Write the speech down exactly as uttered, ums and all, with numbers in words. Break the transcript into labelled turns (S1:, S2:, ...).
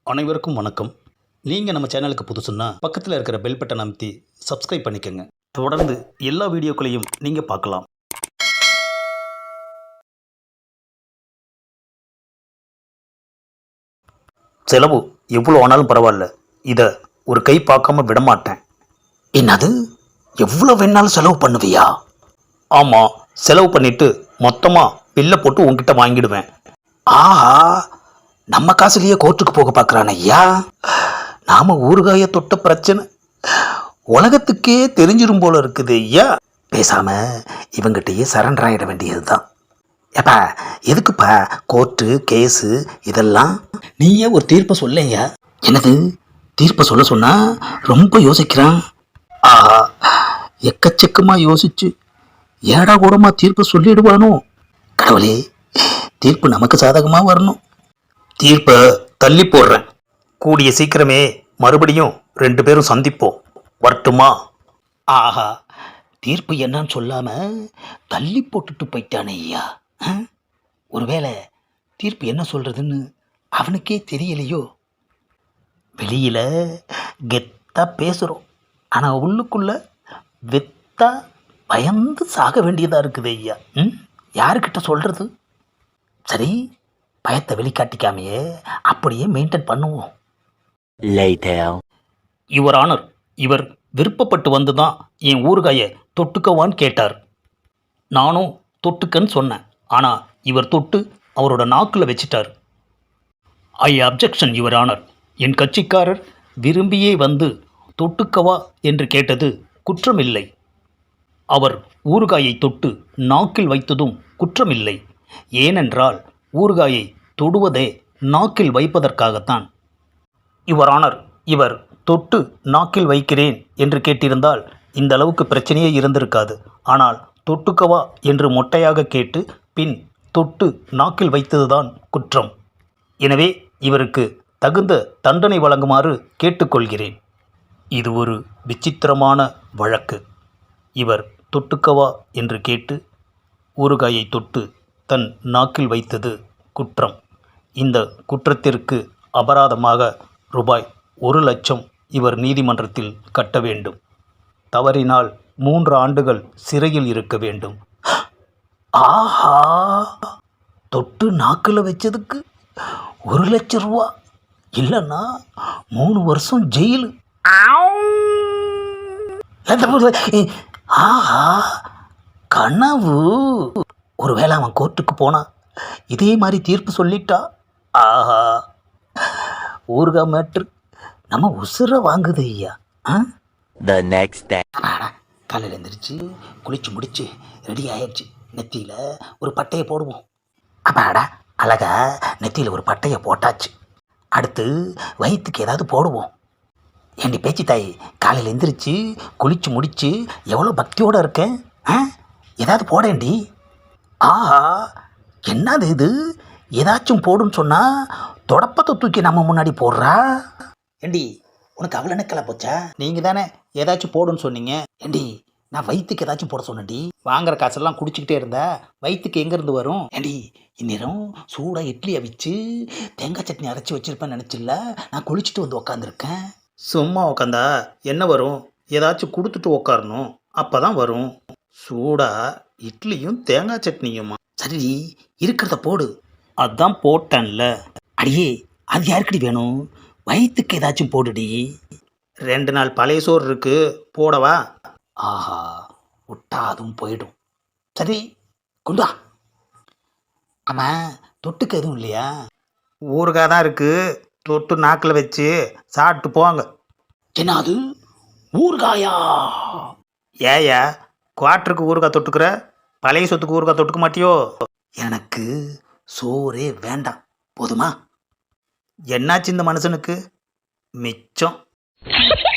S1: அனைவருக்கும் வணக்கம். நீங்கள் நம்ம சேனலுக்கு புதுசுன்னா பக்கத்தில் இருக்கிற பெல் பட்டன் அமைத்தி சப்ஸ்கிரைப் பண்ணிக்கோங்க. தொடர்ந்து எல்லா வீடியோக்களையும் நீங்கள் பார்க்கலாம். செலவு எவ்வளோ ஆனாலும் பரவாயில்ல, இதை ஒரு கை பார்க்காம விடமாட்டேன். என்னது, எவ்வளோ வேணாலும் செலவு பண்ணுவியா? ஆமாம், செலவு பண்ணிட்டு மொத்தமாக பில்லை போட்டு உங்ககிட்ட வாங்கிடுவேன். ஆஹா, நம்ம காசுலேயே கோர்ட்டுக்கு போக பார்க்குறான் ஐயா. நாம் ஊறுகாய தொட்ட பிரச்சனை உலகத்துக்கே தெரிஞ்சிரும் போல இருக்குது ஐயா. பேசாம இவங்கிட்டயே சரண்டர் ஆகிட வேண்டியது தான். ஏப்பா, எதுக்குப்பா கோர்ட்டு கேஸு இதெல்லாம்? நீயே ஒரு தீர்ப்பை சொல்லையா. என்னது, தீர்ப்பை சொல்ல சொன்னா ரொம்ப யோசிக்கிறான். ஆஹா, எக்கச்சக்கமாக யோசிச்சு ஏடா கூடமா தீர்ப்பு சொல்லிடுவானோ. கடவுளே, தீர்ப்பு நமக்கு சாதகமாக வரணும். தீர்ப்பை தள்ளி போடுறேன். கூடிய சீக்கிரமே மறுபடியும் ரெண்டு பேரும் சந்திப்போம். வரட்டுமா? ஆஹா, தீர்ப்பு என்னன்னு சொல்லாம தள்ளி போட்டுட்டு போயிட்டானே ஐயா. ஒருவேளை தீர்ப்பு என்ன சொல்றதுன்னு அவனுக்கே தெரியலையோ. வெளியில கெத்தா பேசுறோம், ஆனா உள்ளுக்குள்ள வெத்தா பயந்து சாக வேண்டியதா இருக்குது ஐயா. ம் யாருக்கிட்ட சொல்றது? சரி, பயத்தை வெளிக்காட்டிக்காமையே அப்படியே மெயின்டைன் பண்ணுவோம். யுவர் ஆனர், இவர் விருப்பப்பட்டு வந்து தான் என் ஊறுகாயை தொட்டுக்கவான்னு கேட்டார். நானும் தொட்டுக்கன்னு சொன்னேன். ஆனால் இவர் தொட்டு அவரோட நாக்கில் வச்சிட்டார். I objection your honour. என் கட்சிக்காரர் விரும்பியே வந்து தொட்டுக்கவா என்று கேட்டது குற்றமில்லை. அவர் ஊறுகாயை தொட்டு நாக்கில் வைத்ததும் குற்றமில்லை. ஏனென்றால் ஊறுகாயை தொடுவதே நாக்கில் வைப்பதற்காகத்தான். யுவர் ஆனர், இவர் தொட்டு நாக்கில் வைக்கிறேன் என்று கேட்டிருந்தால் இந்த அளவுக்கு பிரச்சனையே இருந்திருக்காது. ஆனால் தொட்டுக்கவா என்று மொட்டையாக கேட்டு பின் தொட்டு நாக்கில் வைத்ததுதான் குற்றம். எனவே இவருக்கு தகுந்த தண்டனை வழங்குமாறு கேட்டுக்கொள்கிறேன். இது ஒரு விசித்திரமான வழக்கு. இவர் தொட்டுக்கவா என்று கேட்டு ஊறுகாயை தொட்டு தன் நாக்கில் வைத்தது குற்றம். இந்த குற்றத்திற்கு அபராதமாக ரூபாய் ஒரு லட்சம் இவர் நீதிமன்றத்தில் கட்ட வேண்டும். தவறினால் மூன்று ஆண்டுகள் சிறையில் இருக்க வேண்டும். ஆஹா, தொட்டு நாக்கில் வச்சதுக்கு ஒரு லட்சம் ரூபா இல்லைன்னா மூணு வருஷம் ஜெயிலு. ஆஹா, கனவு. ஒருவேளை அவன் கோர்ட்டுக்கு போனா இதே மாதிரி தீர்ப்பு சொல்லிட்டா, ஆஹா, ஊறுகாய் மேட்ரு நம்ம உசுர வாங்குது ஐயா.
S2: The next day.
S1: காலையில் எழுந்திரிச்சு குளிச்சு முடிச்சு ரெடி ஆயிடுச்சு. நெத்தியில் ஒரு பட்டையை போடுவோம். அப்பாடா, அழகா நெத்தியில் ஒரு பட்டையை போட்டாச்சு. அடுத்து வயிற்றுக்கு ஏதாவது போடுவோம். ஏண்டி பேச்சு தாய், காலையில் எழுந்திரிச்சு குளிச்சு முடிச்சு எவ்வளோ பக்தியோடு இருக்கேன். ஆ ஏதாவது போடேண்டி. ஆஹா, என்னது இது, ஏதாச்சும் போடுன்னு சொன்னால் தொடப்பத்தை தூக்கி நம்ம முன்னாடி போடுறா. ஏண்டி, உனக்கு அவ்வளோ நெக்கலா போச்சா? நீங்கள் தானே ஏதாச்சும் போடுன்னு சொன்னீங்க. ஏண்டி, நான் வயிற்றுக்கு ஏதாச்சும் போட சொன்னேன்டி. வாங்குற காசெல்லாம் குடிச்சிக்கிட்டே இருந்தா வயிற்றுக்கு எங்கேருந்து வரும்? ஏண்டி, இந்நேரம் சூடாக இட்லி அவிச்சு தேங்காய் சட்னி அரைச்சி வச்சுருப்பேன்னு நினச்சில்ல நான் குளிச்சுட்டு வந்து உக்காந்துருக்கேன். சும்மா உக்காந்தா என்ன வரும்? ஏதாச்சும் கொடுத்துட்டு உக்காரணும், அப்போ தான் வரும். சூடாக இட்லியும் தேங்காய் சட்னியுமா? சரி, இருக்கிறத போடு. அதான் போட்டேன்ல. அடியே, அது யாருக்கடி வேணும்? வயிற்றுக்கு ஏதாச்சும் போடுடி. ரெண்டு நாள் பழைய சோறு இருக்கு, போடவா? ஆஹா, விட்டா அதுவும் போயிடும். சரி, கொண்டா. ஆமாம், தொட்டுக்கு எதுவும் இல்லையா? ஊறுகாய் தான் இருக்கு, தொட்டு நாக்கில் வச்சு சாப்பிட்டு போங்க. என்ன அது, ஊறுகாயா? ஏயா குவாட்டருக்கு ஊறுகாய் தொட்டுக்கிற, பழைய சொத்துக்கு ஊறுகாய் தொட்டுக்க மாட்டியோ? எனக்கு சோறே வேண்டாம், போதுமா? என்னாச்சு இந்த மனுஷனுக்கு? மிச்சம்.